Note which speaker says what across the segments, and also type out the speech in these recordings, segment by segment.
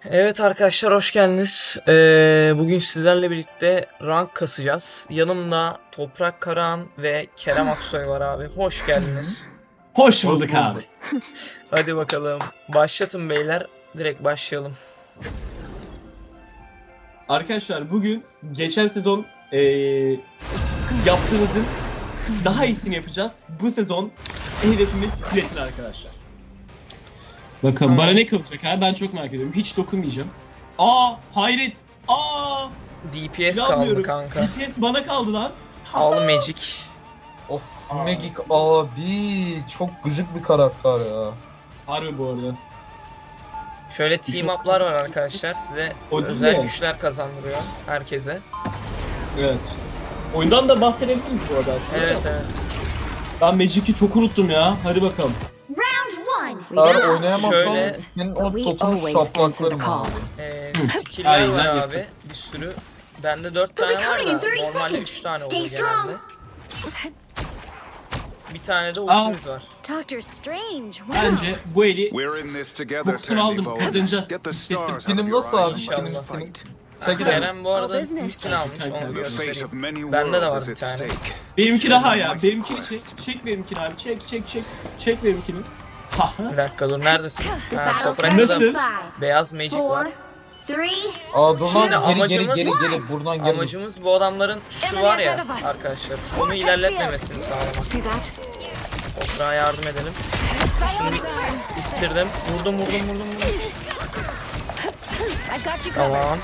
Speaker 1: Evet arkadaşlar hoş geldiniz. Bugün sizlerle birlikte rank kasacağız. Yanımda Toprak Karahan ve Kerem Aksoy var abi. Hoş geldiniz.
Speaker 2: Hoş bulduk abi.
Speaker 1: Hadi bakalım. Başlatın beyler. Direkt başlayalım.
Speaker 2: Arkadaşlar bugün geçen sezon yaptığımızın daha iyisini yapacağız. Bu sezon hedefimiz platin arkadaşlar. Bakalım bana ne kalacak abi, ben çok merak ediyorum. Hiç dokunmayacağım. Hayret.
Speaker 1: DPS kaldı
Speaker 2: İnanmıyorum.
Speaker 1: kanka.
Speaker 2: DPS bana kaldı lan.
Speaker 1: Al Magic.
Speaker 3: Of Magic abi çok gıcık bir karakter ya.
Speaker 2: Harbi bu arada.
Speaker 1: Şöyle team up'lar var arkadaşlar. Size
Speaker 2: O değil
Speaker 1: özel
Speaker 2: mi?
Speaker 1: güçler kazandırıyor herkese.
Speaker 2: Evet. Oyundan da bahsedebiliriz bu arada aslında.
Speaker 1: Evet.
Speaker 2: Ben Magic'i çok unuttum ya. Hadi bakalım.
Speaker 3: Eğer oynayamazsan
Speaker 1: Şöyle-
Speaker 3: senin o totunu şaplaklarım abi.
Speaker 1: Skill'ler
Speaker 2: Aynen,
Speaker 1: var abi.
Speaker 2: yaparız.
Speaker 1: Bir sürü. Bende 4 tane var da normalde 3 tane oluyor genelde. Bir tane de ultimiz var.
Speaker 4: Doctor Strange. Wow.
Speaker 2: Bence bu eli
Speaker 5: We're in this together,
Speaker 2: kokusunu
Speaker 5: Tandy
Speaker 2: aldım.
Speaker 5: Bowen.
Speaker 2: Kazanacağız.
Speaker 5: Get the stars out
Speaker 3: Benim
Speaker 5: of your
Speaker 3: nasıl
Speaker 5: eyes
Speaker 3: abi?
Speaker 5: and
Speaker 1: İnşallah.
Speaker 5: let's fight.
Speaker 3: Çekil
Speaker 1: Kerem bu arada
Speaker 4: business.
Speaker 1: skin almış onu
Speaker 2: The
Speaker 5: The fate
Speaker 1: göstereyim.
Speaker 5: of many
Speaker 1: Bende de
Speaker 5: worlds
Speaker 1: var
Speaker 5: is
Speaker 1: bir
Speaker 5: at
Speaker 1: tane.
Speaker 5: stake.
Speaker 2: Benimki daha ya.
Speaker 5: Mighty
Speaker 2: Benimkini
Speaker 5: quest.
Speaker 2: çek benimkini abi. Çek benimkini. Haha.
Speaker 1: Bir dakika dur neredesin? Ha,
Speaker 4: Battle
Speaker 1: toprakta
Speaker 2: Nasıl?
Speaker 1: da beyaz magic var.
Speaker 4: 4, 3.
Speaker 3: Aa dur
Speaker 1: Şimdi
Speaker 3: lan geri
Speaker 1: amacımız-
Speaker 3: geri buradan geri.
Speaker 1: Amacımız bu adamların şu var ya arkadaşlar. Onu ilerletmemesini sağlamak.
Speaker 4: See that?
Speaker 1: Toprağa yardım edelim. İttirdim. Vurdum.
Speaker 4: I got you covered.
Speaker 1: Tamam.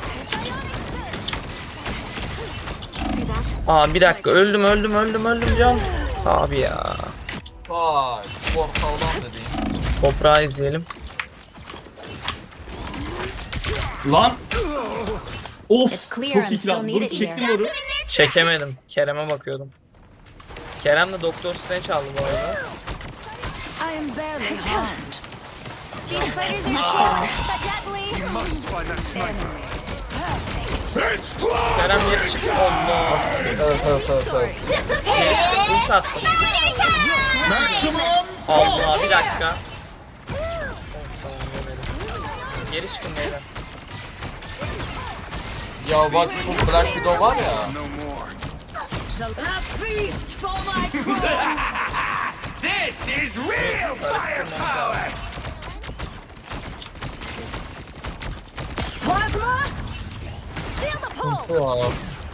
Speaker 4: See that?
Speaker 1: Aa bir dakika öldüm can. Abi ya.
Speaker 3: Vay portaldan da değil.
Speaker 1: Toprağı izleyelim.
Speaker 2: Lan. Of.
Speaker 4: It's clear
Speaker 2: Çok
Speaker 4: I'm
Speaker 2: iyi
Speaker 4: still
Speaker 2: lan. Dur
Speaker 4: needed
Speaker 2: çektim
Speaker 4: here.
Speaker 2: onu.
Speaker 1: Çekemedim. Kerem'e bakıyordum. Kerem de Doktor Strange aldı bu arada.
Speaker 4: I am barely harmed. These fighters are cheap, but
Speaker 5: Must find that sniper.
Speaker 1: Kerem geri çıktı. Allah.
Speaker 3: Evet.
Speaker 1: Geri çıktı. Ult attım. Allah bir dakika. Oh, tamam yemedim. Geri çıkın beyler.
Speaker 3: Ya bak şu Black Widow var ya.
Speaker 5: No more.
Speaker 2: This is real
Speaker 1: Firepower.
Speaker 4: Plasma! Feel the pulse!
Speaker 3: Kimse ya.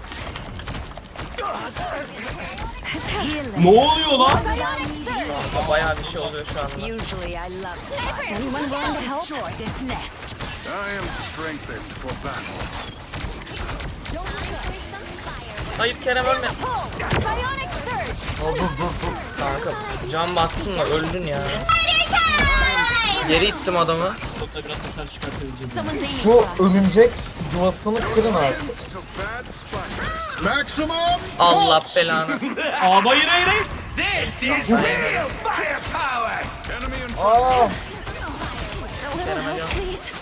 Speaker 4: Healing.
Speaker 2: Ne oluyor lan?
Speaker 4: Psionic surge!
Speaker 1: Ama bayağı bir şey oluyor şu anda.
Speaker 4: Usually I love anyone willing to help destroy this nest.
Speaker 5: I am strengthened for battle.
Speaker 1: Hayır Kerem ölme.
Speaker 4: Pull! Psionic surge!
Speaker 3: Dur.
Speaker 1: Kanka can bastın da öldün ya. Geri ittim adamı.
Speaker 2: Topla biraz hasar çıkartabileceğim.
Speaker 4: Someone's aiming
Speaker 3: Şu
Speaker 4: for us.
Speaker 3: örümcek yuvasını kırın artık.
Speaker 5: Took bad spiders. Maximum!
Speaker 1: Allah belanı.
Speaker 2: Hayır. This is real firepower.
Speaker 5: Enemy in front.
Speaker 3: Aa.
Speaker 4: A little help, please.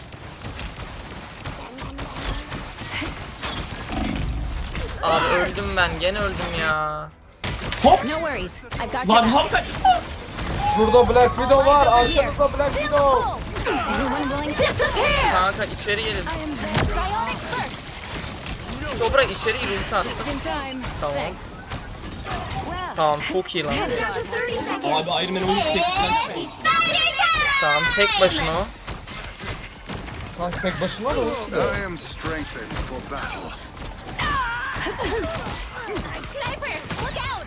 Speaker 1: Abi öldüm ben. Gene öldüm ya.
Speaker 2: Hop.
Speaker 4: No worries. I've got
Speaker 2: Lan
Speaker 4: your back.
Speaker 2: hakikaten.
Speaker 3: Şurada Black Widow var. Arkamızda Black
Speaker 4: Feel the
Speaker 3: Widow.
Speaker 4: pulse! Anyone willing to disappear?
Speaker 1: Kanka içeri gelin.
Speaker 4: I am psionic first.
Speaker 1: Toprak içeri gir ulti attım.
Speaker 4: Just in time.
Speaker 1: Tamam.
Speaker 4: Thanks. Well,
Speaker 1: Tamam çok iyi lan.
Speaker 4: down to 30 seconds.
Speaker 2: Abi Iron Man oyunu teknikten çıkmayın.
Speaker 1: Tamam tek başına o.
Speaker 3: Kanka tek başına da
Speaker 5: I am strengthened for battle.
Speaker 4: Sniper, look out!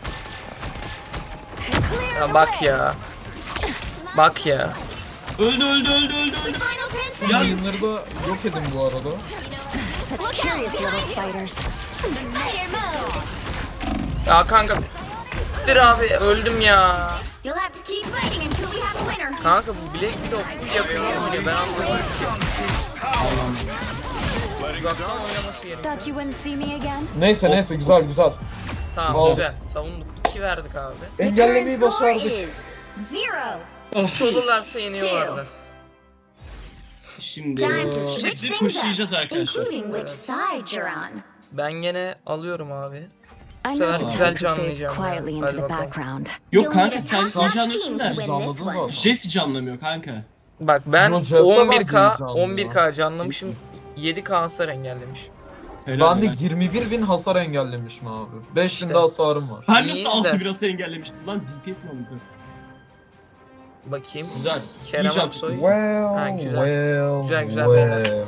Speaker 4: Clear
Speaker 1: Ya
Speaker 4: the
Speaker 1: bak
Speaker 4: way.
Speaker 1: ya. Bak ya.
Speaker 2: Öldü.
Speaker 4: Final 10 seconds.
Speaker 2: Ya
Speaker 3: yayınları da yok edin bu arada.
Speaker 4: Such curious little spiders. Spider mode.
Speaker 1: Ya kanka. Dur abi öldüm ya.
Speaker 4: You'll have to keep fighting until we have a winner.
Speaker 1: Kanka bu bilek bir de full yapıyor oynuyor. Ben anlamadım. Uzaktan oynaması gerekiyor.
Speaker 4: Thought you wouldn't see me again.
Speaker 3: Neyse güzel.
Speaker 1: Tamam
Speaker 3: Wow.
Speaker 1: güzel. Savunduk. 2 verdik abi.
Speaker 3: Engellemeyi
Speaker 4: Current score
Speaker 3: başardık.
Speaker 4: is 0.
Speaker 1: Çalırlarsa yeniyorlardı.
Speaker 2: Şimdi
Speaker 4: Time to switch
Speaker 2: şimdi
Speaker 4: things
Speaker 2: pushlayacağız
Speaker 4: up,
Speaker 2: arkadaşlar.
Speaker 4: including which side you're on.
Speaker 1: Ben gene alıyorum abi.
Speaker 4: I'm
Speaker 1: sefer
Speaker 4: not the
Speaker 1: güzel
Speaker 4: type who fades
Speaker 1: canlayacağım ya.
Speaker 4: quietly into
Speaker 1: Hadi
Speaker 4: the
Speaker 1: bakalım.
Speaker 4: background.
Speaker 2: Yok
Speaker 4: You'll
Speaker 2: kanka
Speaker 4: need a
Speaker 2: sen
Speaker 4: top-notch
Speaker 2: canlıyorsun
Speaker 4: team
Speaker 2: da
Speaker 4: to win this
Speaker 3: Anladınız
Speaker 4: one.
Speaker 3: zaten.
Speaker 2: Jeff canlamıyor kanka.
Speaker 1: Bak ben
Speaker 3: Yo, Jeff'te
Speaker 1: 11k
Speaker 3: ben
Speaker 1: 11k canlamışım. 7k hasar engellemiş.
Speaker 2: Helal
Speaker 3: Ben de
Speaker 2: helal.
Speaker 3: 21.000 hasar engellemişim abi. 5.000
Speaker 1: İşte.
Speaker 3: de hasarım var.
Speaker 2: Ben
Speaker 1: İyiyiz
Speaker 2: nasıl
Speaker 1: de.
Speaker 2: 6000 hasar engellemiştim lan? DPS mi aldım?
Speaker 1: Bakayım.
Speaker 2: Güzel.
Speaker 1: Kerem
Speaker 2: İyi
Speaker 1: Aksoy.
Speaker 3: Well,
Speaker 1: Ha, güzel.
Speaker 3: well,
Speaker 1: Güzel, güzel
Speaker 3: well.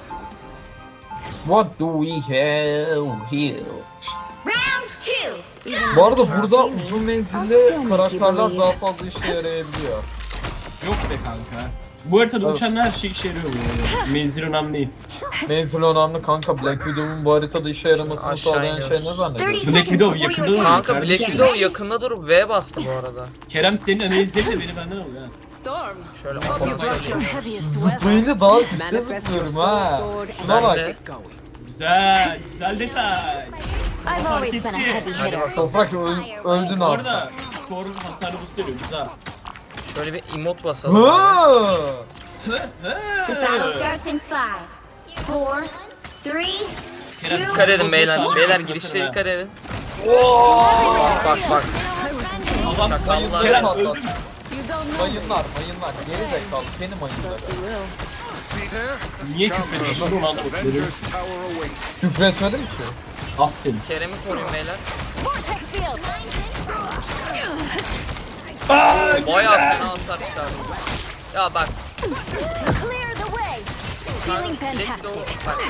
Speaker 3: What do we have here?
Speaker 4: Round two.
Speaker 3: Bu arada burada uzun menzilli karakterler daha fazla işe yarayabiliyor.
Speaker 2: Yok be kanka. Bu haritada
Speaker 3: Evet.
Speaker 2: uçan her şey işe yarıyor bu arada. Menzil önemli değil.
Speaker 3: Menzil önemli kanka. Black Widow'un bu haritada işe yaramasını
Speaker 1: Aşağı
Speaker 3: sağlayan şey ne
Speaker 1: iniyoruz.
Speaker 3: zannediyorsun?
Speaker 2: Black Widow yakında duruyor
Speaker 1: Kanka Black
Speaker 2: kardeşim.
Speaker 1: Widow yakında durup V bastı bu arada.
Speaker 2: Kerem senin menzilin de beni benden alıyor ha.
Speaker 4: Storm.
Speaker 1: Şöyle
Speaker 4: You
Speaker 1: kafasına
Speaker 4: brought your
Speaker 1: geliyor.
Speaker 4: heaviest weapon.
Speaker 3: Zıplayınca daha üstte
Speaker 4: Manifest your
Speaker 3: zıplıyorum
Speaker 4: soul
Speaker 3: ha.
Speaker 4: sword
Speaker 3: Şuna
Speaker 4: and
Speaker 1: Ben
Speaker 3: bak.
Speaker 1: de
Speaker 2: Güzel, güzel detay.
Speaker 4: I've always been a heavy
Speaker 1: Hadi
Speaker 4: hitter.
Speaker 1: bakalım.
Speaker 3: Toprak öldün
Speaker 2: Bu
Speaker 3: abi.
Speaker 2: arada Thor hasarı boost veriyor, güzel.
Speaker 1: Şöyle bir emote basalım. abi.
Speaker 3: Ha!
Speaker 4: The battle starts in 5, 4, 3,
Speaker 2: Kerem,
Speaker 1: Dikkat edin beyler.
Speaker 2: Çağır
Speaker 1: Beyler
Speaker 2: mısın
Speaker 1: girişlere
Speaker 2: mesela?
Speaker 1: dikkat edin.
Speaker 3: Bak bak bak.
Speaker 2: Adam
Speaker 1: Şakallar.
Speaker 2: Kerem
Speaker 3: Patlat.
Speaker 2: öldü mü?
Speaker 4: You don't know me,
Speaker 3: Mayınlar. Geri zekalı. Benim mayınlar.
Speaker 4: but you will.
Speaker 5: See there?
Speaker 2: Niye küfrediyorsun? Onu anlamadım.
Speaker 5: Avengers Tower awaits.
Speaker 3: Küfretmedim ki.
Speaker 2: Aferin.
Speaker 1: Kerem'i koruyun beyler.
Speaker 4: Vortex field.
Speaker 1: Bayağı fena hasar çıkardı. Ya bak.
Speaker 4: Clear the way. Feeling
Speaker 1: Black Widow
Speaker 4: fantastic.
Speaker 1: bak.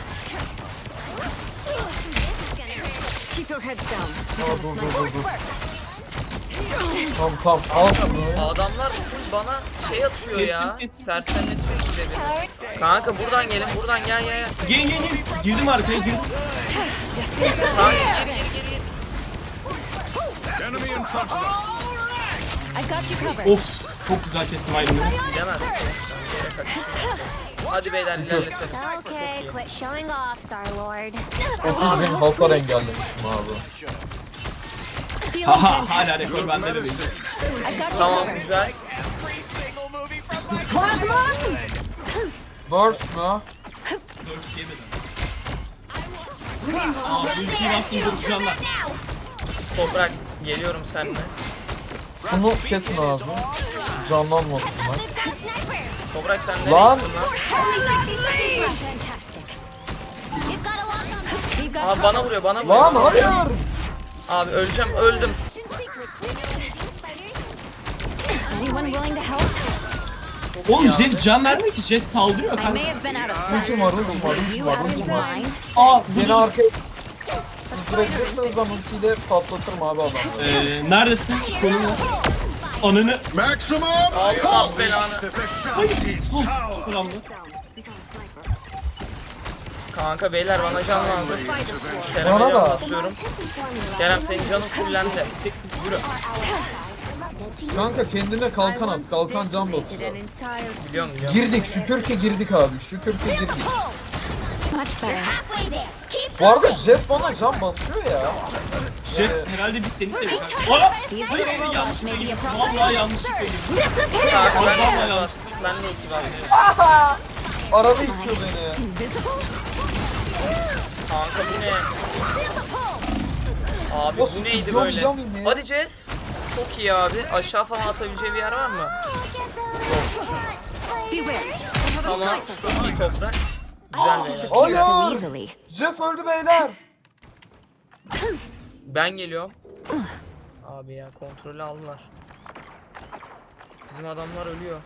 Speaker 4: Keep your heads down.
Speaker 3: Dur. Tamam al şunu.
Speaker 1: Adamlar full bana şey atıyor ya. Sersemletiyor işte beni. Kanka buradan gelin. Buradan gel.
Speaker 2: Gelin. Girdim arkaya, girdim.
Speaker 1: Kanka geri.
Speaker 5: Enemy in front of us.
Speaker 4: I got you covered.
Speaker 2: Of, çok güzel kestim ayrımını.
Speaker 1: Gidemezsin. Sen yere kaçışıyorsun. Hadi beyler ilerletelim.
Speaker 4: Okay, quit showing off, Star-Lord.
Speaker 3: 30.000 hasar engellemişim abi.
Speaker 4: Feeling
Speaker 2: Haha,
Speaker 4: fantastic.
Speaker 2: hala rekor bende de benim.
Speaker 4: I got you
Speaker 1: Tamam
Speaker 4: covered.
Speaker 1: güzel.
Speaker 4: Plasma!
Speaker 3: Burst mu?
Speaker 2: 4 yemedim. Aa, bu ülkeyi attım duracağımlar.
Speaker 1: Toprak geliyorum seninle.
Speaker 3: Şunu kesin abi. Canlanmasınlar.
Speaker 1: Toprak sen nereye
Speaker 3: Lan!
Speaker 1: gittin lan?
Speaker 4: Only 60 seconds left. Fantastic. You've got a lock on them. You've got
Speaker 1: Abi bana vuruyor.
Speaker 3: Lan hayır!
Speaker 1: Abi öleceğim öldüm.
Speaker 4: anyone willing to help?
Speaker 2: Oğlum Jet can vermiyor ki, Jet saldırıyor
Speaker 4: I
Speaker 2: kanka.
Speaker 4: may have been out of sight.
Speaker 3: Ultim var.
Speaker 4: You have in mind.
Speaker 2: Aa,
Speaker 3: Beni arkaya... Siz bırakırsanız ben ultiyle patlatırım abi adamları.
Speaker 2: Neredesin? Konum ne? Ananı.
Speaker 5: Maximum
Speaker 1: Allah belanı.
Speaker 5: The Vishanti's power.
Speaker 2: Kullandı.
Speaker 1: Kanka beyler bana can lazım.
Speaker 3: Bana
Speaker 1: Kerem'e can
Speaker 3: da.
Speaker 1: basıyorum. Kerem senin canın fullendi. Yürü.
Speaker 3: Kanka kendine kalkan at. Kalkan can basıyor.
Speaker 1: Biliyorum.
Speaker 3: Girdik. Şükür ki girdik abi. Şükür ki girdik.
Speaker 4: Much better.
Speaker 3: Bu arada Jet bana can basıyor ya.
Speaker 2: Jet herhalde biz seni seviyoruz. Aa!
Speaker 4: These
Speaker 2: Hayır,
Speaker 4: little robots
Speaker 2: yanlış
Speaker 4: may be a
Speaker 2: değil.
Speaker 4: problem.
Speaker 2: Vallahi yanlışlıkla girdim.
Speaker 1: Kanka ben de
Speaker 2: Vallahi
Speaker 1: iki
Speaker 2: ya.
Speaker 1: bastım. Ben de iki bastım.
Speaker 3: Araba itiyor beni.
Speaker 4: Invisible?
Speaker 1: Kanka bu ne? Abi bu neydi böyle? Hadi Jeff. Çok iyi abi. Aşağı falan atabileceği bir yer var mı?
Speaker 4: Beware.
Speaker 1: Tamam. Çok iyi toprak. Güzel beyler.
Speaker 4: Disappear so
Speaker 3: Hayır.
Speaker 4: easily.
Speaker 3: Jeff öldü beyler.
Speaker 1: Ben geliyorum. Abi ya kontrolü aldılar. Bizim adamlar ölüyor.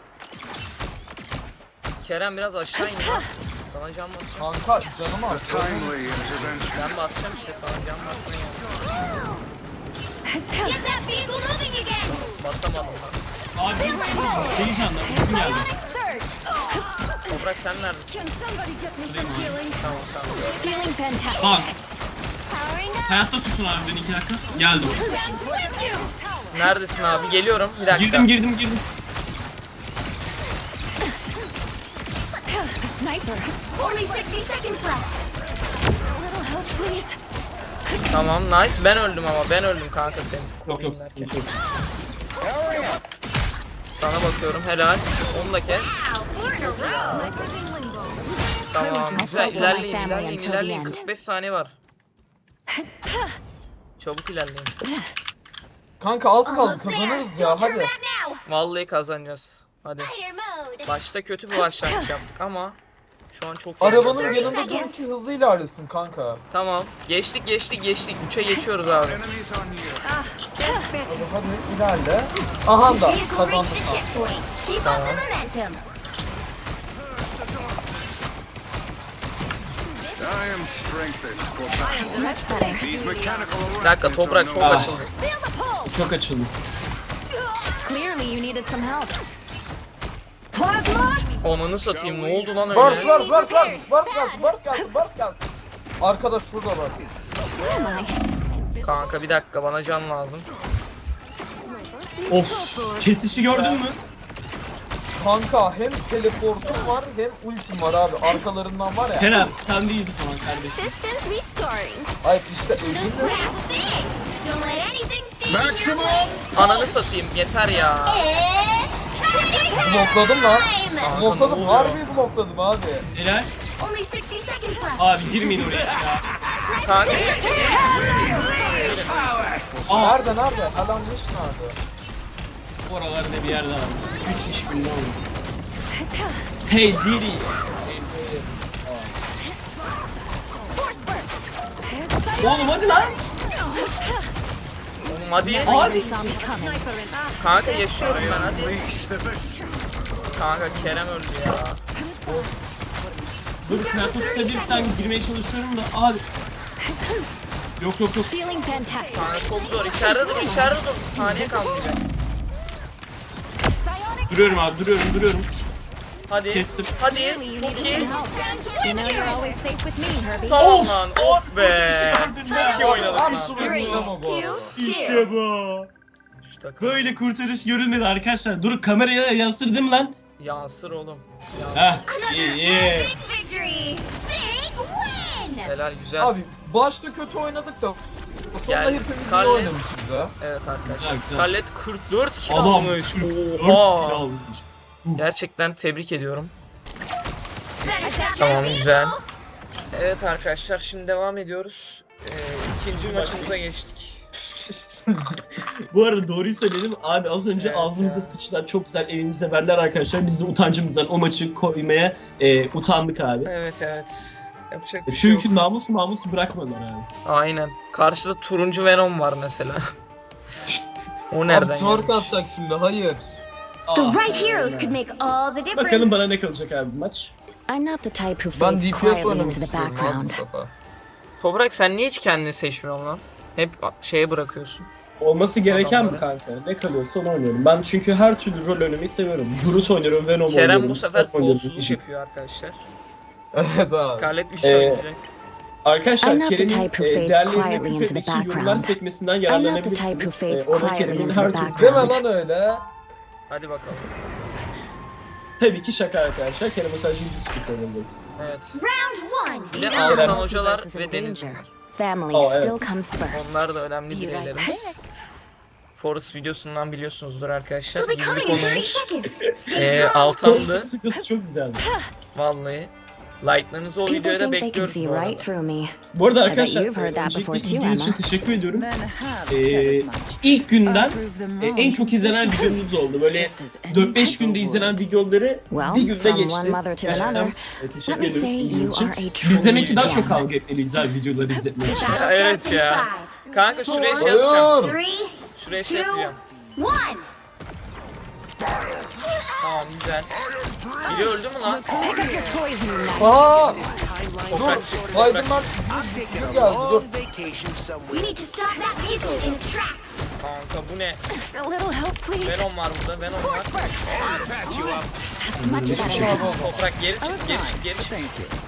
Speaker 1: Kerem biraz aşağı in lan. Sana can basacağım.
Speaker 3: Kanka canım
Speaker 5: A
Speaker 3: artık.
Speaker 5: timely intervention.
Speaker 1: Ben basacağım işte sana can basmaya geldim.
Speaker 4: Get that vehicle moving again!
Speaker 1: Basamadım lan.
Speaker 2: Abi deli canlar. Bizim geldi.
Speaker 4: Surge!
Speaker 1: Toprak sen neredesin?
Speaker 4: Can somebody get me some healing?
Speaker 1: Tamam.
Speaker 4: Feeling fantastic.
Speaker 2: Bak,
Speaker 4: Powering up!
Speaker 2: hayatta tutun abi beni 2 dakika. Geldim.
Speaker 1: Neredesin abi? Geliyorum. Bir dakika.
Speaker 2: Girdim.
Speaker 4: A sniper! Only 60 seconds left! A little help, please.
Speaker 1: Tamam nice. Ben öldüm ama. Ben öldüm kanka seni.
Speaker 2: Yok
Speaker 1: koruyayım derken.
Speaker 2: sıkıntı yok.
Speaker 1: Sana bakıyorum. Helal. Onu da kes. Tamam. Güzel. İlerleyin. 45 saniye var. Çabuk ilerleyin.
Speaker 3: Kanka az kaldı kazanırız ya hadi.
Speaker 1: Vallahi kazanacağız. Hadi.
Speaker 4: Spider mode.
Speaker 1: Başta kötü bir başlangıç yaptık ama şu an çok iyi.
Speaker 3: Arabanın yanında durun ki hızlı ilerlesin kanka.
Speaker 1: Tamam. Geçtik. 3'e geçiyoruz abi.
Speaker 5: Enemies on you.
Speaker 4: Ah, that's better.
Speaker 3: Hadi ilerle. Aha da
Speaker 4: Vehicle
Speaker 3: kazandık.
Speaker 4: reached the checkpoint. Keep up the momentum.
Speaker 5: I am strengthened for battle.
Speaker 4: Much better.
Speaker 5: These mechanical
Speaker 1: Bir dakika, toprak
Speaker 5: arrangements
Speaker 1: çok
Speaker 5: are no
Speaker 1: açıldı.
Speaker 4: Feel the pull.
Speaker 2: Çok açıldı.
Speaker 4: Clearly you needed some help. Plasma.
Speaker 1: Onunu satayım. Ne oldu lan
Speaker 3: Bars
Speaker 1: öyle?
Speaker 3: bars bars gelsin. Arkadaş şurada bak.
Speaker 4: Where am I?
Speaker 1: Kanka bir dakika, bana can lazım.
Speaker 2: Of. Kesişi gördün mü?
Speaker 3: Kanka hem teleportum var hem ultim var abi. Arkalarından var ya.
Speaker 2: Kerem sen değilsin falan kardeşim.
Speaker 4: Systems restoring.
Speaker 3: Ay işte öldüm mü?
Speaker 4: That's it. Don't let anything stand in your
Speaker 5: Maximum!
Speaker 4: way.
Speaker 1: Ananı satayım. Yeter ya.
Speaker 4: It's cutting
Speaker 3: Blokladım lan.
Speaker 4: time.
Speaker 1: Kanka, ne
Speaker 3: Blokladım.
Speaker 1: oluyor?
Speaker 3: Harbi blokladım abi.
Speaker 2: Neler?
Speaker 4: Only 60 seconds left.
Speaker 2: Abi girmeyin oraya ya.
Speaker 1: Kanka
Speaker 2: Aa
Speaker 3: Nerede? Alanmış nerede?
Speaker 2: oralarda bir yerde var. 3 iş birliği oldu. Hey Diddy.
Speaker 4: Force burst.
Speaker 2: Oğlum hadi lan.
Speaker 1: oğlum hadi.
Speaker 2: Abi.
Speaker 1: Kanka yaşıyorum ben, hadi.
Speaker 5: Unleash the beast.
Speaker 1: Kanka Kerem öldü ya.
Speaker 2: Dur Kratos tutabilirsen girmeye çalışıyorum da abi. Yok.
Speaker 4: Feeling fantastic.
Speaker 1: Kanka çok zor. İçeride dur. Saniye kalmayacak.
Speaker 4: Psionic.
Speaker 2: Duruyorum abi duruyorum.
Speaker 1: Hadi.
Speaker 2: Kestim.
Speaker 1: Hadi.
Speaker 4: Clearly you
Speaker 1: Çok
Speaker 4: needed
Speaker 1: iyi.
Speaker 4: some help. You know you're always safe with me, Herbie.
Speaker 1: Tamam lan. Of be.
Speaker 2: Çok
Speaker 1: iyi oynadık lan.
Speaker 3: Absolut ama bu arada.
Speaker 2: İşte bu.
Speaker 1: İşte
Speaker 2: Böyle kurtarış görülmedi arkadaşlar. Dur kameraya yansırdım lan.
Speaker 1: yansır oğlum.
Speaker 2: Heh iyi.
Speaker 4: Big victory. Big win.
Speaker 1: Helal, güzel.
Speaker 3: Abi başta kötü oynadık da sonra
Speaker 1: Yani
Speaker 3: hepimiz iyi
Speaker 1: Scarlett-
Speaker 3: oynamışız da.
Speaker 1: Evet arkadaşlar.
Speaker 2: Güzel, güzel.
Speaker 1: Scarlett 44 kill
Speaker 2: Adam
Speaker 1: almış.
Speaker 2: 44
Speaker 1: Oha.
Speaker 2: kilo almış.
Speaker 1: Gerçekten tebrik ediyorum.
Speaker 4: Better stop
Speaker 1: Tamam,
Speaker 4: that
Speaker 1: güzel.
Speaker 4: vehicle.
Speaker 1: Evet arkadaşlar, şimdi devam ediyoruz. İkinci maçımıza geçtik.
Speaker 2: Bu arada doğruyu söyledim abi az önce
Speaker 1: Evet
Speaker 2: ağzımıza
Speaker 1: ya.
Speaker 2: sıçtılar çok güzel evimize verdiler arkadaşlar biz de utancımızdan o maçı koymaya utandık abi.
Speaker 1: Evet. Yapacak bir şey yok.
Speaker 2: Çünkü namusu bırakmadılar abi.
Speaker 1: Aynen. Karşıda turuncu Venom var mesela. O nereden
Speaker 3: Abi tork
Speaker 1: gelmiş?
Speaker 3: atacak şimdi hayır.
Speaker 4: The
Speaker 2: Aa,
Speaker 4: right heroes could make all the difference.
Speaker 2: bakalım bana ne kalacak abi bu maç.
Speaker 6: I'm not the type who
Speaker 3: Ben
Speaker 6: fades
Speaker 3: DPS
Speaker 6: quietly
Speaker 3: oynamak
Speaker 6: into the
Speaker 3: istiyorum abi
Speaker 6: background.
Speaker 3: bu sefer.
Speaker 1: Toprak, sen niye hiç kendini seçmiyorsun lan? Hep şeye bırakıyorsun.
Speaker 2: Olması gereken mi
Speaker 1: Adamları.
Speaker 2: kanka? Ne kalıyorsa onu oynuyorum. Ben çünkü her türlü rol oynamayı seviyorum. Groot oynuyorum, Venom oynuyorum.
Speaker 1: Kerem bu sefer
Speaker 2: Stark oynuyorum,
Speaker 1: kolsuzluk
Speaker 2: Ejim.
Speaker 1: yapıyor arkadaşlar.
Speaker 3: Evet abi.
Speaker 1: Scarlett bir şey oynayacak.
Speaker 6: I'm
Speaker 2: Arkadaşlar
Speaker 6: not the
Speaker 2: Kerem'in
Speaker 6: type who fades
Speaker 2: değerlerini
Speaker 6: quietly into the
Speaker 2: küfretmek için yorumlar
Speaker 6: background.
Speaker 2: sekmesinden
Speaker 6: I'm not the
Speaker 2: yararlanabilirsiniz.
Speaker 6: type who fades
Speaker 2: Orada
Speaker 6: quietly
Speaker 2: Kerem'in
Speaker 6: into
Speaker 2: her
Speaker 6: the
Speaker 2: türlü...
Speaker 3: Deme
Speaker 6: background.
Speaker 3: lan öyle.
Speaker 1: Hadi bakalım.
Speaker 2: Tabii ki şaka arkadaşlar. Kerem'e sadece dispute oynayabiliriz.
Speaker 1: Evet.
Speaker 4: Round one.
Speaker 1: Bir de
Speaker 2: Kerem.
Speaker 1: Altan
Speaker 6: Multiverse
Speaker 1: hocalar
Speaker 6: is in
Speaker 1: ve Deniz
Speaker 6: danger.
Speaker 1: var.
Speaker 6: Family
Speaker 2: Oh, evet.
Speaker 6: still comes first.
Speaker 1: Onlar da önemli
Speaker 6: Be right
Speaker 1: bireylerimiz. Forest videosundan biliyorsunuzdur arkadaşlar.
Speaker 4: We'll be
Speaker 1: Gizli
Speaker 4: coming in 30
Speaker 1: konuğumuz
Speaker 4: seconds. Stay strong.
Speaker 1: Altan'dı.
Speaker 2: Sıkıntı çok güzeldi.
Speaker 1: Vallahi. Like'larınızı o
Speaker 6: People
Speaker 1: videoya da
Speaker 6: think they can
Speaker 1: bekliyoruz
Speaker 6: see
Speaker 1: bu
Speaker 6: right
Speaker 1: arada.
Speaker 6: through me.
Speaker 2: Bu arada
Speaker 6: bet
Speaker 2: arkadaşlar
Speaker 6: you've heard that
Speaker 2: öncelikle
Speaker 6: before too,
Speaker 2: ilginiz için
Speaker 6: Emma.
Speaker 2: teşekkür ediyorum.
Speaker 7: Men have said as much.
Speaker 2: İlk günden
Speaker 7: Prove them wrong.
Speaker 2: en çok izlenen videomuz oldu. Böyle
Speaker 7: Just as any
Speaker 2: 4-5 günde
Speaker 7: couple
Speaker 2: izlenen
Speaker 7: would.
Speaker 2: videoları
Speaker 6: Well,
Speaker 2: bir günde
Speaker 6: from
Speaker 2: geçti.
Speaker 6: one mother to
Speaker 2: Gerçekten
Speaker 6: another,
Speaker 2: teşekkür
Speaker 6: let me
Speaker 2: ediyoruz
Speaker 6: say
Speaker 2: ilginiz
Speaker 6: you
Speaker 2: için.
Speaker 6: are a
Speaker 2: Biz demek ki
Speaker 6: true
Speaker 2: daha çok
Speaker 6: gem.
Speaker 2: kavga etmeliyiz abi videoları izletmek için.
Speaker 4: Battle
Speaker 1: Evet
Speaker 4: starts in
Speaker 1: ya.
Speaker 4: 5,
Speaker 1: Kanka şuraya şey
Speaker 3: Hayır.
Speaker 1: yapacağım.
Speaker 4: 3,
Speaker 1: Şuraya şey
Speaker 4: 2,
Speaker 1: yapacağım.
Speaker 4: 1.
Speaker 1: Tamam, güzel. Biri öldü mü lan?
Speaker 6: Pick up your poison knife.
Speaker 3: Aa!
Speaker 1: Toprak çıktı.
Speaker 3: Aydın
Speaker 1: Toprak
Speaker 3: ben
Speaker 1: çıktı.
Speaker 3: bir geldi dur.
Speaker 4: You need to stop that vehicle in its tracks.
Speaker 1: Kanka bu ne?
Speaker 6: A little help, please.
Speaker 1: Venom var burada. Venom var.
Speaker 6: That's much better.
Speaker 1: Toprak geri çık, geri çık.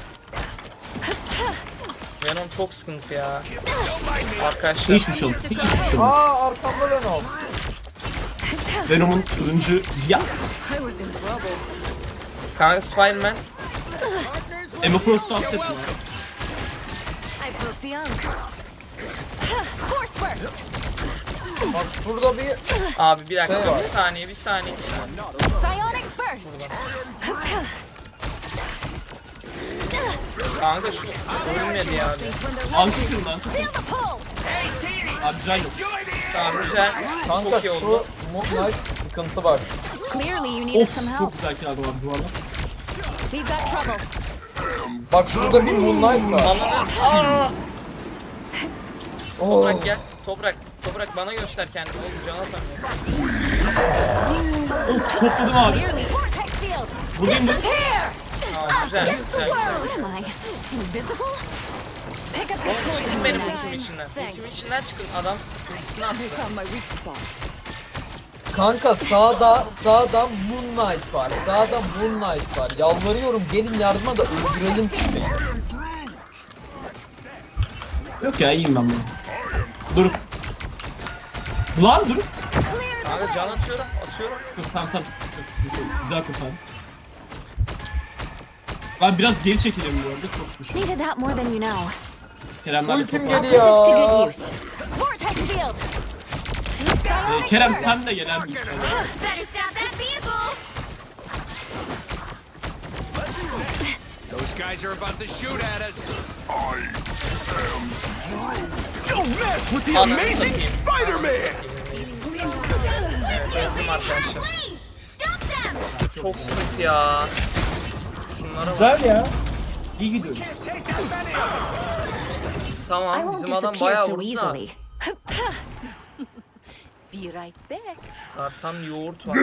Speaker 1: Venom çok sıkıntı ya. Arkadaşlar.
Speaker 2: Hiçbir şey olmaz. Hiçbir şey olmaz.
Speaker 3: Aa arkamda Venom.
Speaker 2: Venom'un turuncu yaz.
Speaker 4: I was in trouble.
Speaker 1: Kanka Spider-Man.
Speaker 2: Emma Frost'u affetme.
Speaker 4: I broke the unk. Force burst.
Speaker 3: Bak şurada bir
Speaker 1: Abi bir dakika,
Speaker 3: Şey var.
Speaker 1: bir saniye.
Speaker 4: Psionic burst.
Speaker 1: Kanka şu ölmedi ya abi.
Speaker 2: Antikim lan.
Speaker 4: Feel the pull.
Speaker 2: Abi can yok.
Speaker 1: Tamam, güzel.
Speaker 3: kanka
Speaker 1: Çok iyi
Speaker 3: şu
Speaker 1: oldu.
Speaker 3: Moon Knight sıkıntı var.
Speaker 6: Clearly you needed
Speaker 2: Of
Speaker 6: some
Speaker 2: çok
Speaker 6: help.
Speaker 2: güzel kiraladım abi duvarda.
Speaker 6: We've got trouble.
Speaker 3: Bak şurada bir Moonlight var.
Speaker 1: Ananı.
Speaker 3: Oo.
Speaker 1: Toprak gel. Toprak bana göster kendini. Oğlum can atamıyorum.
Speaker 2: Of topladım abi.
Speaker 6: Clearly vortex field.
Speaker 2: Buradayım bu.
Speaker 6: Here.
Speaker 1: Aa, güzel.
Speaker 6: Against the
Speaker 1: Güzel.
Speaker 6: world. Am I invisible? Pick up your
Speaker 1: Oğlum çıkın
Speaker 6: poison
Speaker 1: benim
Speaker 6: knife.
Speaker 1: ultimin içinden.
Speaker 6: Thanks.
Speaker 1: Ultimin içinden çıkın. Adam ultisini attı.
Speaker 6: I found my weak spot.
Speaker 3: Kanka sağda Moonlight var. Sağda Moonlight var. Yalvarıyorum gelin yardıma da öldürelim sizi.
Speaker 2: Yok ya iyiyim ben bunu. Dur. Lan dur.
Speaker 6: Clear the
Speaker 1: Kanka can
Speaker 6: way.
Speaker 1: atıyorum.
Speaker 2: Dur tamam. Güzel kurtardım. Ben biraz geri çekiliyorum bu arada çok düşün.
Speaker 6: Needed that more than you know.
Speaker 2: Kerem'ler de
Speaker 3: Ultim
Speaker 2: topladı.
Speaker 6: Put this to
Speaker 3: geliyor.
Speaker 6: good use. Vortex field.
Speaker 2: Kerem sen de gel abi.
Speaker 4: Better stop that vehicle.
Speaker 5: Those guys are about to shoot at us. Don't mess with the
Speaker 1: Ananı
Speaker 5: amazing
Speaker 1: satayım.
Speaker 5: Spider-Man!
Speaker 1: Evet öldüm arkadaşlar.
Speaker 4: Stop them.
Speaker 1: Çok sıkıntı ya. Şunlara bak.
Speaker 2: Güzel ya. İyi gidiyoruz.
Speaker 6: I
Speaker 1: Tamam
Speaker 6: won't
Speaker 1: bizim adam
Speaker 6: disappear
Speaker 1: bayağı
Speaker 6: so
Speaker 1: vurdu da.
Speaker 6: easily. Be right back.
Speaker 1: Tartan yoğurt var.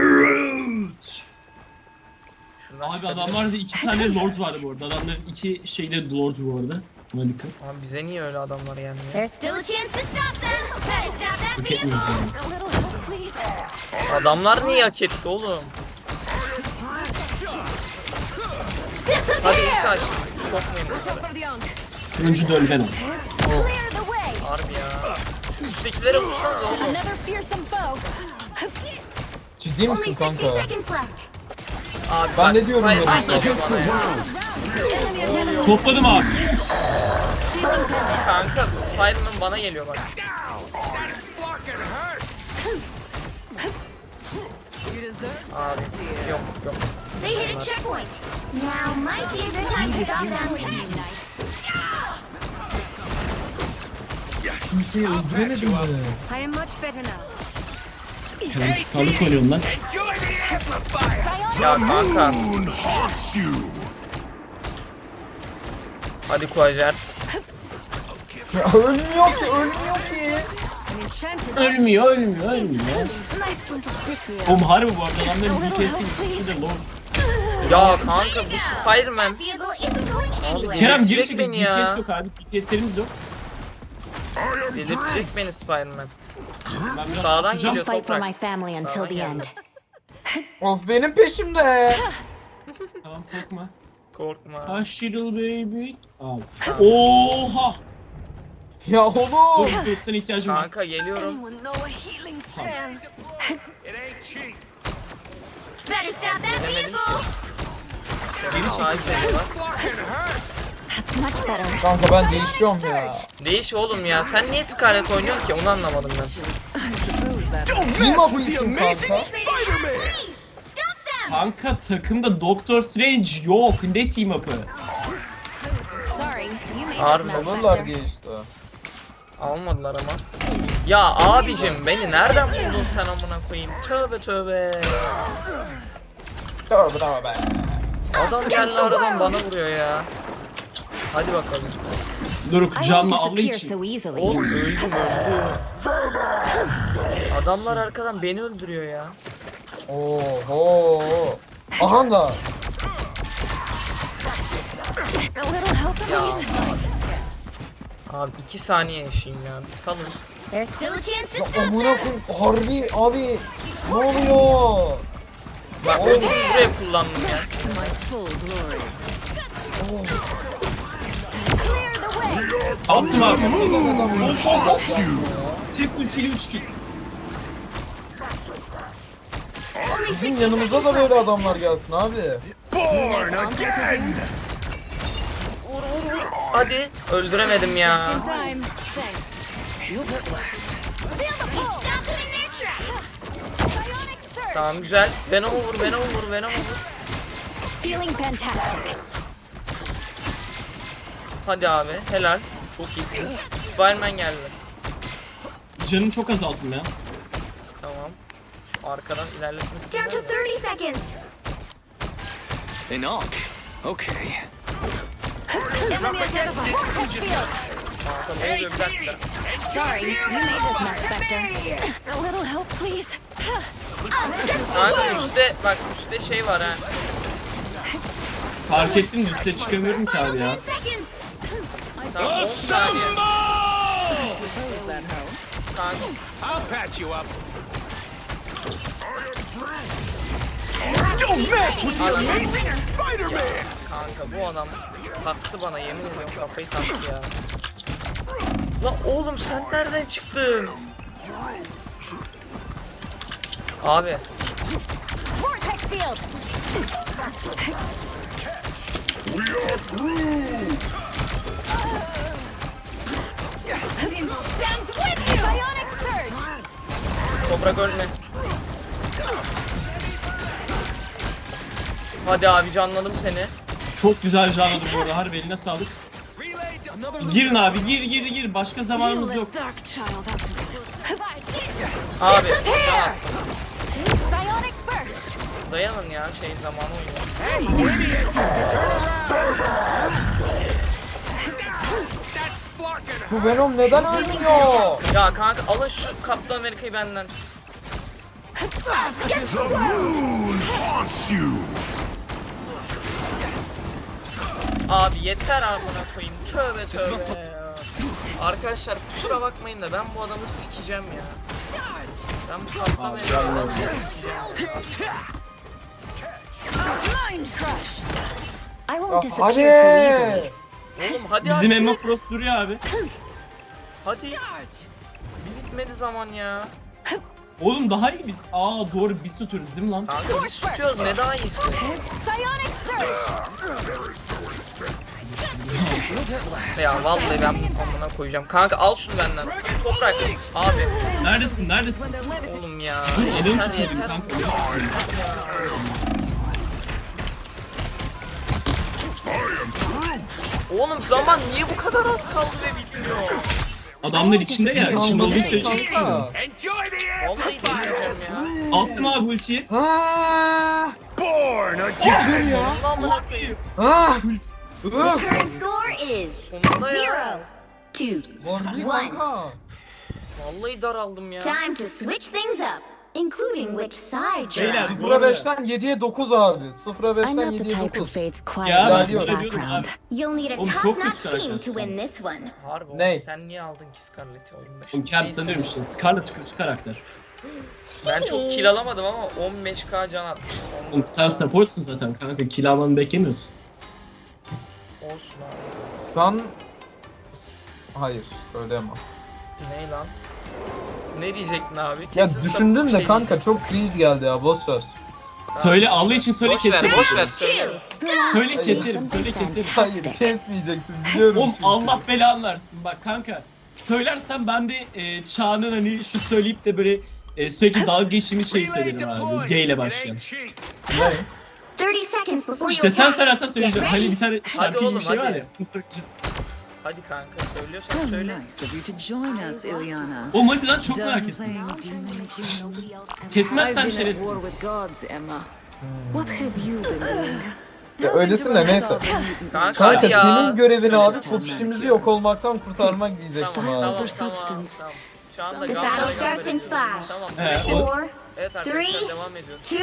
Speaker 1: Şundan
Speaker 2: Abi
Speaker 1: çıkabilir.
Speaker 2: adamlarda 2 tane lord vardı bu arada. Adamların 2 şeyde lord bu arada. Buna dikkat.
Speaker 1: Abi bize niye öyle adamlar yani ya?
Speaker 4: There's still a chance to stop them. Better stop that
Speaker 2: Hak
Speaker 4: vehicle.
Speaker 2: etmiyoruz yani.
Speaker 6: A little help, please.
Speaker 1: Adamlar niye hak etti oğlum? Hadi ilk taş. Sokmayın bunları.
Speaker 6: For the young.
Speaker 2: Turuncu da öldü ben.
Speaker 6: Clear the way.
Speaker 1: Harbi ya. Şu üsttekilere vursanız oğlum.
Speaker 6: Another fearsome foe.
Speaker 3: Ciddi
Speaker 4: Only
Speaker 3: misin
Speaker 4: 60
Speaker 3: kanka?
Speaker 4: seconds left.
Speaker 1: Abi
Speaker 3: Ben
Speaker 1: bak,
Speaker 3: ne diyorum
Speaker 1: Spider-Man
Speaker 3: ya?
Speaker 1: geliyor bana ya.
Speaker 6: Enemy identified.
Speaker 2: Topladım abi.
Speaker 6: Feeling fantastic.
Speaker 1: Kanka Spider-Man bana geliyor bak.
Speaker 5: Fucking hurt!
Speaker 1: Abi yok.
Speaker 4: They hit a checkpoint. Now might be a good time to stop them.
Speaker 3: Kimseyi öldüremedim mi?
Speaker 4: I am much better now.
Speaker 2: Kerem skarlık oynuyorum lan.
Speaker 5: Enjoy the amplifier!
Speaker 1: Ya kanka.
Speaker 5: Haunts you!
Speaker 1: Hadi Quajarts.
Speaker 3: Ya ölmüyor ki.
Speaker 4: An enchanted
Speaker 2: Ölmüyor.
Speaker 4: nice little pick me
Speaker 2: Oğlum
Speaker 4: up.
Speaker 2: harbi bu arada adamların
Speaker 6: A little help,
Speaker 2: DPS'i de lord.
Speaker 1: Ya kanka bu Spider-Man.
Speaker 4: Vehicle isn't going anywhere.
Speaker 2: Kerem geri
Speaker 1: Delirtecek
Speaker 2: çekil.
Speaker 1: beni ya.
Speaker 2: DPS yok abi. DPS'lerimiz yok.
Speaker 1: Delirtecek beni Spider-Man.
Speaker 2: Ben biraz
Speaker 1: Sağdan
Speaker 2: tutacağım.
Speaker 1: geliyor
Speaker 6: Fight for
Speaker 1: toprak.
Speaker 6: my family until
Speaker 1: Sağdan
Speaker 6: the
Speaker 1: geldi.
Speaker 6: end.
Speaker 3: Of benim peşimde.
Speaker 2: Tamam korkma.
Speaker 1: Korkma.
Speaker 2: Hush little baby. Abi. Oha.
Speaker 3: Ya oğlum.
Speaker 2: Dur sana ihtiyacım var.
Speaker 1: Kanka geliyorum.
Speaker 4: Anyone know a healing strand?
Speaker 5: It ain't cheap.
Speaker 4: Better stop that
Speaker 1: Demedim
Speaker 4: vehicle.
Speaker 1: Geri çekil var.
Speaker 5: Fucking hurt!
Speaker 6: That's much better.
Speaker 3: Kanka ben değişiyorum ya.
Speaker 1: Değiş oğlum ya. Sen niye Scarlet oynuyorsun ki? Onu anlamadım ben.
Speaker 5: Don't
Speaker 3: Team
Speaker 5: mess
Speaker 3: up
Speaker 5: with the
Speaker 3: için
Speaker 5: amazing
Speaker 3: kanka.
Speaker 5: Spider-Man!
Speaker 4: Stop them.
Speaker 2: Kanka takımda Doctor Strange yok. Ne team up'ı?
Speaker 6: Sorry, you made
Speaker 1: Harbi
Speaker 6: this mess
Speaker 3: Alırlar
Speaker 6: better.
Speaker 3: diye işte.
Speaker 1: Almadılar ama. Ya abicim beni nereden buldun sen amına koyayım? Tövbe tövbe.
Speaker 3: Bravo be.
Speaker 1: Adam geldi aradan bana vuruyor ya. Hadi bakalım.
Speaker 2: Doruk
Speaker 6: I won't
Speaker 2: canlı Allah
Speaker 6: disappear
Speaker 2: için.
Speaker 6: so easily.
Speaker 1: Oğlum öldüm. Adamlar arkadan beni öldürüyor ya.
Speaker 3: Oho. Aha da.
Speaker 6: A little help,
Speaker 1: Ya.
Speaker 6: please.
Speaker 1: Abi 2 saniye yaşayayım ya. Bir salın.
Speaker 4: There's still a chance to
Speaker 3: Ya
Speaker 4: stop
Speaker 3: amına
Speaker 4: them.
Speaker 3: koyayım. Harbi abi. Ne oluyor?
Speaker 1: Bak ultimi buraya kullandım ya.
Speaker 6: Clear the way.
Speaker 2: Attım abi.
Speaker 3: Adam
Speaker 2: Tek ultiyle 3 kill.
Speaker 3: Bizim yanımıza da böyle adamlar gelsin abi.
Speaker 5: Born again!
Speaker 1: Hadi. Öldüremedim ya.
Speaker 6: In time. Thanks.
Speaker 4: Feel the pull. Stop them in their tracks.
Speaker 6: Bionic surge.
Speaker 1: Tamam güzel. Venom'u vur, Venom'u vur, Venom'u vur.
Speaker 6: Feeling fantastic.
Speaker 1: Hadi abi. Helal. Çok iyisiniz. Spider-Man geldi.
Speaker 2: Canım çok azalttım ya.
Speaker 1: Tamam. arkadan ilerletmesin.
Speaker 4: Down to 30 seconds.
Speaker 5: Enoch. Okay.
Speaker 6: Enemy identified. Vortex field.
Speaker 1: Kanka ne oluyor bir dakika.
Speaker 6: Sorry, you made this mess, Spectre. A little help, please.
Speaker 1: Kanka üstte bak üstte şey var ha.
Speaker 2: Fark ettin mi? Üste çıkamıyorum ki abi ya.
Speaker 4: 10 seconds.
Speaker 1: Tamam 10 saniye.
Speaker 5: Assemble!
Speaker 1: Kanka
Speaker 5: I'll patch you up. Don't mess with the amazing Spider-Man!
Speaker 1: kanka bu adam taktı bana yemin ediyorum kafayı taktı ya. Lan oğlum sen nereden çıktın? Abi
Speaker 6: Vortex field. Stands with you. Bionic surge.
Speaker 1: toprak ölme. Hadi abi canladım seni.
Speaker 2: Çok güzel canladı bu arada. Harbi eline sağlık.
Speaker 5: Relay done.
Speaker 2: Girin abi gir. Başka zamanımız yok.
Speaker 6: Dark child out.
Speaker 1: Abi can attım.
Speaker 6: Psionic burst.
Speaker 1: Dayanın ya şey zamanı uyuyor.
Speaker 5: That's blocking her.
Speaker 3: Bu Venom neden ölmüyor?
Speaker 1: Ya kanka alın şu Kaptan Amerika'yı benden. Abi yeter amına koyayım. Tövbe tövbe ya. Arkadaşlar kusura bakmayın da ben bu adamı sikeceğim ya. Ben bu Kaptan Amerika'yı sikeceğim.
Speaker 6: Mind crush. I won't
Speaker 3: Ah,
Speaker 6: disappear so easily.
Speaker 3: hadi.
Speaker 1: Oğlum hadi
Speaker 2: Bizim
Speaker 1: hadi.
Speaker 2: Emma Frost duruyor abi.
Speaker 1: Hadi. Bir bitmedi zaman ya.
Speaker 2: Oğlum daha iyi biz. Aa doğru biz tutuyoruz değil mi lan?
Speaker 1: Kanka biz tutuyoruz ne daha iyisi.
Speaker 6: Psionic surge.
Speaker 1: Ya vallahi ben amına koyacağım. Kanka al şunu benden. Toprak. Abi.
Speaker 2: Neredesin?
Speaker 1: Oğlum ya.
Speaker 2: Elimi
Speaker 1: Yeter
Speaker 2: tutmadım
Speaker 1: yeter.
Speaker 2: kanka.
Speaker 1: Oğlum zaman niye bu kadar az kaldı ve bitmiyor?
Speaker 2: Adamlar içinde ya. İçinde olduğu sürece
Speaker 3: Kanka.
Speaker 2: geçiyorum.
Speaker 5: Enjoy the
Speaker 1: Vallahi delireceğim ya.
Speaker 2: Attım abi ultiyi.
Speaker 3: Ha!
Speaker 5: born again!
Speaker 1: Sonunda amına koyayım.
Speaker 3: Ha!
Speaker 4: Current score is
Speaker 1: Sonunda ya.
Speaker 4: 0, 2.
Speaker 3: Var değil
Speaker 4: One.
Speaker 3: kanka.
Speaker 1: Vallahi daraldım ya.
Speaker 4: Time to switch things up, including which side you're
Speaker 2: Beyler
Speaker 4: on.
Speaker 2: bu arada
Speaker 3: 0'a 5'ten 7'ye 9 abi. 0'a
Speaker 6: I'm
Speaker 3: 5'ten
Speaker 6: not the
Speaker 3: 7'ye
Speaker 6: type who
Speaker 3: 9.
Speaker 6: fades
Speaker 2: Ya
Speaker 6: quietly
Speaker 2: ben
Speaker 6: into the
Speaker 2: sana diyordum
Speaker 6: background.
Speaker 2: abi.
Speaker 4: You'll need a
Speaker 2: Oğlum çok
Speaker 4: top-notch
Speaker 2: kötü
Speaker 4: team to
Speaker 2: arkadaşlar.
Speaker 4: win this one.
Speaker 1: Harbi oğlum
Speaker 3: Ney?
Speaker 1: sen niye aldın ki Scarlett'i oyun başında?
Speaker 2: Oğlum kendisi
Speaker 1: Neyse.
Speaker 2: sanıyorum işte. Scarlet kötü karakter.
Speaker 1: Ben çok kill alamadım ama 15k can atmışım.
Speaker 2: Oğlum sen supportsun zaten kanka. Kill almanı beklemiyorsun.
Speaker 1: Olsun abi.
Speaker 3: Sen... Hayır söyleyemem.
Speaker 1: Ne lan? Ne diyecektin abi?
Speaker 3: Ya
Speaker 1: Kesin
Speaker 3: düşündüm
Speaker 1: sapık
Speaker 3: de
Speaker 1: şey
Speaker 3: kanka
Speaker 1: diyecektin.
Speaker 3: çok cringe geldi ya boş ver.
Speaker 2: Söyle Allah için söyle
Speaker 1: Boş ver,
Speaker 2: keserim.
Speaker 1: boş ver söyle.
Speaker 2: Söyle keserim. Söyle keserim.
Speaker 3: Hayır
Speaker 6: Fantastic.
Speaker 3: kesmeyeceksin biliyorum
Speaker 2: Oğlum
Speaker 3: çünkü.
Speaker 2: Allah belanı versin bak kanka. Söylersen ben de Çağ'ın hani şu söyleyip de böyle sürekli dalga geçtiğimiz şeyi
Speaker 5: Relay
Speaker 2: söylerim abi.
Speaker 5: deployed.
Speaker 2: G ile
Speaker 5: It
Speaker 2: başlayan.
Speaker 5: ain't cheap.
Speaker 3: Ne?
Speaker 4: 30 seconds before you
Speaker 2: İşte sen
Speaker 4: attack.
Speaker 2: söylersen
Speaker 4: Get
Speaker 2: söyleyeceğim. Hani
Speaker 4: ready.
Speaker 2: bir tane şarkı gibi
Speaker 1: oğlum,
Speaker 2: bir şey var
Speaker 1: hadi.
Speaker 2: ya. Mısırcı.
Speaker 1: Hadi kanka söylüyorsan
Speaker 7: How
Speaker 1: söyle.
Speaker 7: nice of you to join us, Ilyana.
Speaker 2: Oğlum hadi lan çok
Speaker 7: Done
Speaker 2: merak ettim.
Speaker 7: playing demon king. I've
Speaker 2: Kesmezsen
Speaker 7: been at
Speaker 2: şerefsiz.
Speaker 7: war with gods, Emma. What have you been doing?
Speaker 3: Ya öylesin de neyse.
Speaker 1: Kanka
Speaker 3: Kanka
Speaker 1: hadi ya.
Speaker 3: senin görevin abi popişimizi yok olmaktan kurtarmak diyecektim
Speaker 1: Tamam
Speaker 3: abi.
Speaker 1: tamam
Speaker 7: For
Speaker 1: tamam.
Speaker 7: substance.
Speaker 1: Tamam. Şu anda
Speaker 4: The
Speaker 1: Gamber'e
Speaker 4: battle starts in
Speaker 1: gönderiyoruz.
Speaker 4: 5,
Speaker 1: Tamam.
Speaker 2: He, o-
Speaker 4: 4,
Speaker 1: Evet arkadaşlar
Speaker 4: Three.
Speaker 1: devam ediyoruz.
Speaker 4: 2, 1.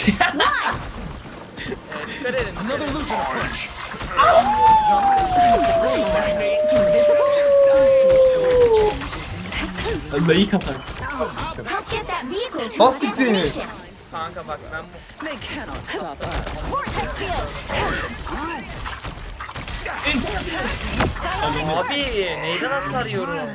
Speaker 1: Dikkat edin. Dikkat edin.
Speaker 2: Dayı kapar.
Speaker 4: Help get that vehicle to
Speaker 3: Bas
Speaker 4: its
Speaker 3: siktir.
Speaker 4: destination.
Speaker 1: Kanka bak ben bu.
Speaker 7: They cannot stop us.
Speaker 6: Vortex field.
Speaker 1: Abi neyden hasar yiyorum?
Speaker 5: I'll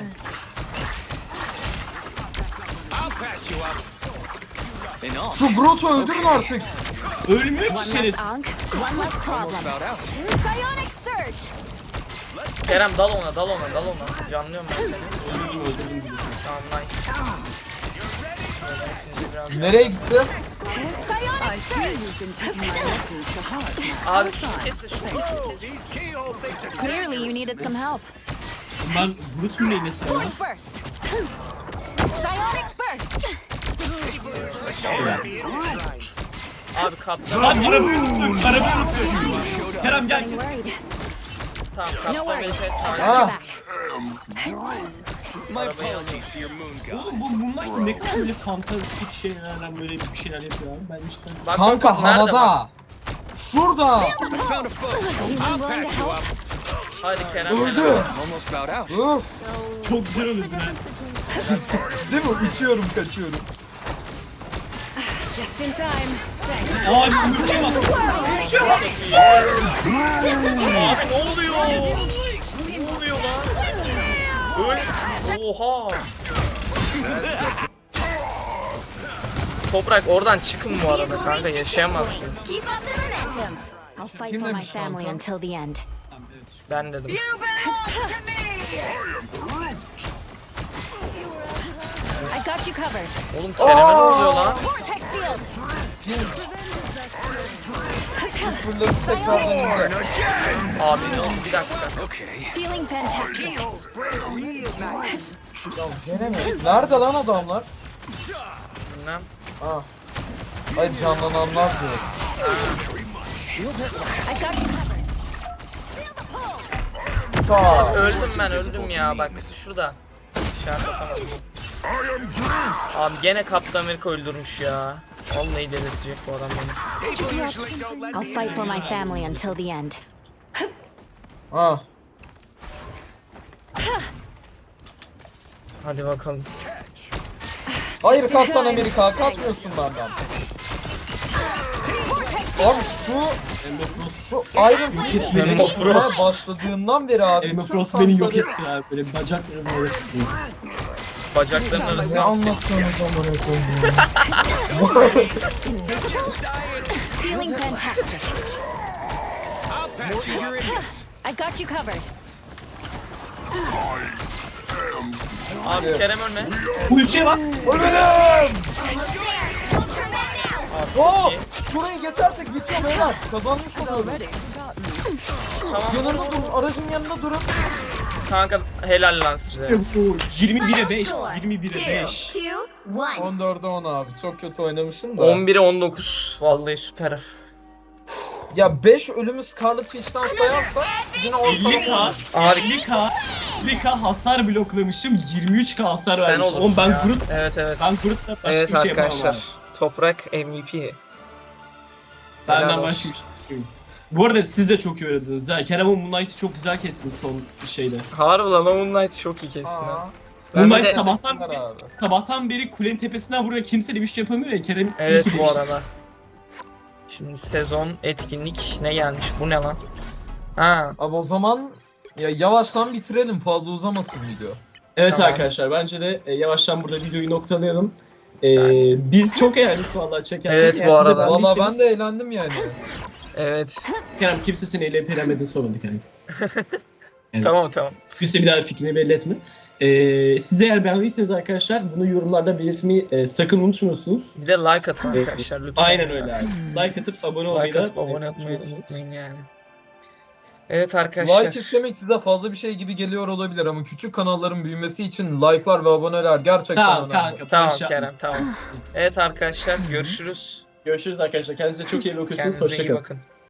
Speaker 5: patch you up. Enough.
Speaker 3: Şu Groot'u öldürün artık.
Speaker 2: Ölmüyor
Speaker 6: One
Speaker 2: ki şerefsiz.
Speaker 6: less Ankh, one less problem.
Speaker 5: About out.
Speaker 6: Psionic surge.
Speaker 1: Kerem dal ona dal ona dal ona. Canlıyorum ben seni.
Speaker 2: Öldürdüm bizi.
Speaker 1: Tamam nice. Şöyle biraz-
Speaker 3: Nereye gitti?
Speaker 6: Psionic
Speaker 7: I see
Speaker 6: surge.
Speaker 7: you've been taking my lessons to heart now.
Speaker 1: Abi şu kesin şu kesin.
Speaker 5: These keyhole things are
Speaker 6: Clearly you needed some help.
Speaker 2: Ben Bruce'un neyine söylüyorum?
Speaker 6: Void burst. Psionic burst.
Speaker 1: Abi kaptan.
Speaker 2: Lan arabayı unutuyorum. Arabayı unutuyorum. Kerem gel.
Speaker 6: Getting worried.
Speaker 1: Tamam
Speaker 6: No
Speaker 1: kaptan
Speaker 6: worries.
Speaker 1: Amerika'ya
Speaker 6: I'll
Speaker 1: takip.
Speaker 6: got your
Speaker 3: Ah.
Speaker 6: back.
Speaker 5: My apologies to your moon god.
Speaker 2: Oğlum bu Moonlight ne kadar böyle fantastik şeylerden böyle bir şeyler yapıyor abi. Ben cidden...
Speaker 1: Bak,
Speaker 3: Kanka
Speaker 1: bak, nerede bak?
Speaker 3: havada. Şurada.
Speaker 5: I found a foe. I'll patch you up.
Speaker 1: Hadi Kerem.
Speaker 3: Öldü.
Speaker 5: Almost bowed out.
Speaker 3: Uf.
Speaker 2: Çok güzel öldün ha.
Speaker 3: Değil mi? Uçuyorum, kaçıyorum.
Speaker 6: Just in time. Thanks.
Speaker 2: Abi bu şey bak.
Speaker 1: Abi ne oluyor? Ne oluyor lan? Oha. Toprak oradan çıkın bu arada kanka, yaşayamazsınız.
Speaker 6: Keep up the momentum. I'll fight
Speaker 3: Kim
Speaker 6: for my
Speaker 3: demiş
Speaker 6: family
Speaker 3: kanka?
Speaker 6: until the end.
Speaker 1: Ben dedim.
Speaker 6: I got you covered.
Speaker 1: Oğlum Kerem'e ne oluyor lan?
Speaker 6: Vortex field.
Speaker 3: Fırladı tekrardan ince.
Speaker 1: Abi ne oldu? Bir dakika.
Speaker 5: Okay.
Speaker 6: Feeling fantastic.
Speaker 3: Gene mi? Nerede lan adamlar?
Speaker 1: Bilmem.
Speaker 3: Ha. Ay canlananlar diyor.
Speaker 6: I got you covered.
Speaker 3: Ta.
Speaker 1: Öldüm ya, bak şurada. İşaret atamadım. Abi gene Kaptan Amerika öldürmüş ya. Vallahi delirtecek bu adam beni.
Speaker 6: I'll fight for my family until the end.
Speaker 3: Ha.
Speaker 1: Hadi bakalım.
Speaker 3: Hayır Kaptan Amerika, kaçmıyorsun benden. Abi şu Iron Fist
Speaker 2: beni.
Speaker 3: benim oturmaya başladığından beri abi.
Speaker 2: Emma
Speaker 3: bütün
Speaker 2: Frost beni yok
Speaker 3: tankları-
Speaker 2: etti abi. Böyle bacaklarımın arası.
Speaker 1: Bacakların
Speaker 3: Ne
Speaker 1: arasına
Speaker 3: anlatıyorsunuz amına koyayım?
Speaker 6: Feeling fantastic.
Speaker 5: I'll patch you your idiots.
Speaker 6: I got you covered.
Speaker 1: Abi Kerem ölme.
Speaker 2: Ultiye bak.
Speaker 3: Ölürüm! Oo! Şurayı geçersek bitiyor beyler. Kazanmış oluyoruz.
Speaker 1: Tamam
Speaker 3: Yanında durun, aracın yanında durun.
Speaker 1: kanka, helal lan size.
Speaker 2: İşte bu. 21'e 5. 21'e 5.
Speaker 4: 2, 1.
Speaker 3: 14'e 10 abi. Çok kötü oynamışım da.
Speaker 1: 11'e 19. Vallahi süper.
Speaker 3: Ya 5 ölümü Scarlet Witch'ten sayarsak yine
Speaker 2: 50k.
Speaker 3: ortalama.
Speaker 1: Abi
Speaker 2: 50k hasar bloklamışım. 23k hasar
Speaker 1: sen
Speaker 2: vermişim. Oğlum
Speaker 1: olursun
Speaker 2: ben
Speaker 1: ya.
Speaker 2: Groot.
Speaker 1: Evet evet.
Speaker 2: Ben Groot'la başka
Speaker 1: Evet
Speaker 2: bir şey yapamam
Speaker 1: arkadaşlar.
Speaker 2: abi.
Speaker 1: Toprak MVP.
Speaker 2: Benden
Speaker 1: Helal
Speaker 2: başka
Speaker 1: olsun.
Speaker 2: bir şey yok. Bu arada siz de çok iyi oynadınız. Ya Kerem'in Moonlight'ı çok güzel kestin son şeyde.
Speaker 1: Harbi lan, o Moonlight çok iyi kessin ha.
Speaker 3: Aa,
Speaker 1: Ben bir
Speaker 2: Moonlight
Speaker 1: de-
Speaker 2: sabahtan beri kulenin tepesinden buraya kimse de bir şey yapamıyor ya Kerem.
Speaker 1: Evet
Speaker 2: iyi ki
Speaker 1: bu
Speaker 2: demişti.
Speaker 1: arada. Şimdi sezon etkinlik ne gelmiş? Bu ne lan? Ha,
Speaker 3: Abi o zaman ya yavaştan bitirelim, fazla uzamasın video.
Speaker 2: Evet
Speaker 1: Tamam.
Speaker 2: arkadaşlar bence de yavaştan burada videoyu noktalayalım.
Speaker 1: Güzel.
Speaker 2: Biz çok eğlendik vallahi çekerken.
Speaker 1: Evet,
Speaker 2: Eğer
Speaker 1: bu
Speaker 2: siz de
Speaker 1: arada.
Speaker 3: Valla
Speaker 2: beğendiyseniz-
Speaker 3: ben de eğlendim yani.
Speaker 1: evet.
Speaker 2: Kerem kimse seni eleyip elemediğini sormadı kanka. Evet.
Speaker 1: Tamam.
Speaker 2: Kimse bir daha fikrini belli etme. Siz eğer beğendiyseniz arkadaşlar bunu yorumlarda belirtmeyi sakın unutmuyorsunuz.
Speaker 1: Bir de like atın arkadaşlar lütfen.
Speaker 2: Aynen öyle abi. Like atıp abone olmayı
Speaker 1: Like
Speaker 2: da
Speaker 1: atıp abone olmayı
Speaker 2: unutmuyorsunuz.
Speaker 1: unutmayın yani. Evet arkadaşlar.
Speaker 3: Like istemek size fazla bir şey gibi geliyor olabilir ama küçük kanalların büyümesi için like'lar ve aboneler gerçekten
Speaker 2: Tamam
Speaker 3: önemli.
Speaker 2: kanka.
Speaker 1: Tamam
Speaker 2: boş yapma.
Speaker 1: Kerem, tamam. Evet arkadaşlar, görüşürüz.
Speaker 2: Görüşürüz arkadaşlar. Kendinize çok iyi bakıyorsunuz.
Speaker 1: Kendinize iyi
Speaker 2: Hoşçakalın.
Speaker 1: bakın.